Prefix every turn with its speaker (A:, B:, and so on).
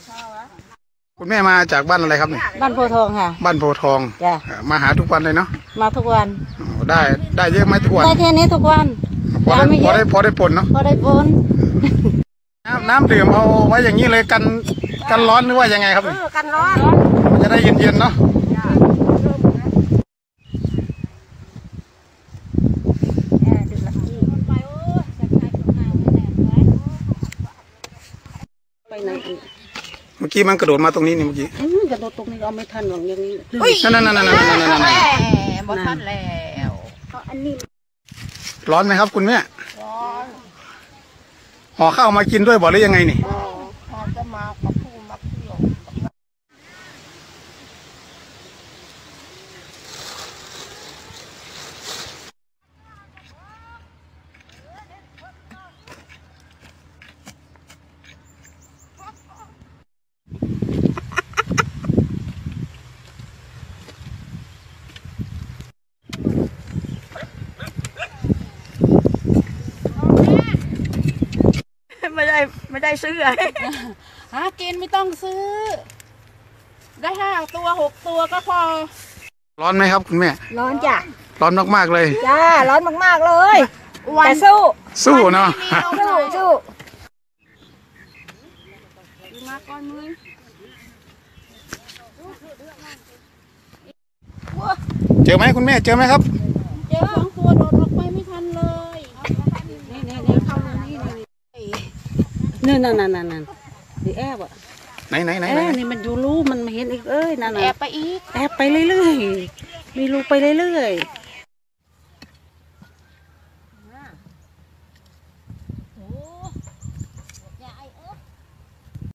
A: คุณแม่มาจากบ้านอะไรครับเนี่ย
B: บ้านโพทองค่ะ
A: บ้านโพทอง
B: จ้ะ
A: มาหาทุกวันเลยเนาะ
B: มาทุกวัน
A: ได้เยอะไหมทุกวัน
B: ได้แค่นี้ทุกวัน
A: พอได้ผลเนาะ
B: พอได้ผล
A: น้ำดื่มเอาไว้อย่างนี้เลยกันร้อนหรือว่ายังไงครับ
B: กันร้อน
A: จะได้เย็นๆเนาะเมื่อกี้มันกระโดดมาตรงนี้นี่เมื่อกี้
B: กระโดดตรงนี้เอาไม่ทันหรอกอย่างนี้
A: นั่น
B: บอทันแล้วอันนี้
A: ร้อนไหมครับคุณแม่ร้อนห่อข้าวมากินด้วยบ่หรือยังไงนี่
B: จะมากับผู้มาเที่ยวไม่ได้ซื้อหากินไม่ต้องซื้อได้5 ตัว 6 ตัวก็พอ
A: ร้อนไหมครับคุณแม่
B: ร้อนจ้ะ
A: ร้อนมากๆเลย
B: จ้าร้อนมากๆเลยแต่สู้
A: เนาะ
B: สู้มาก่อนมือ
A: เจอไหมคุณแม่เจอไหมครับ
B: เจอ2 ตัวโดดออกไปไม่ทันเลยนี่เข้านี่นั่นดิแอบอ่ะ
A: ไหน
B: นี่มันอยู่รูมันมาเห็นอีกนั่น
C: แอบไปอีก
B: แอบไปเรื่อยๆมีรูไปเรื่อยๆ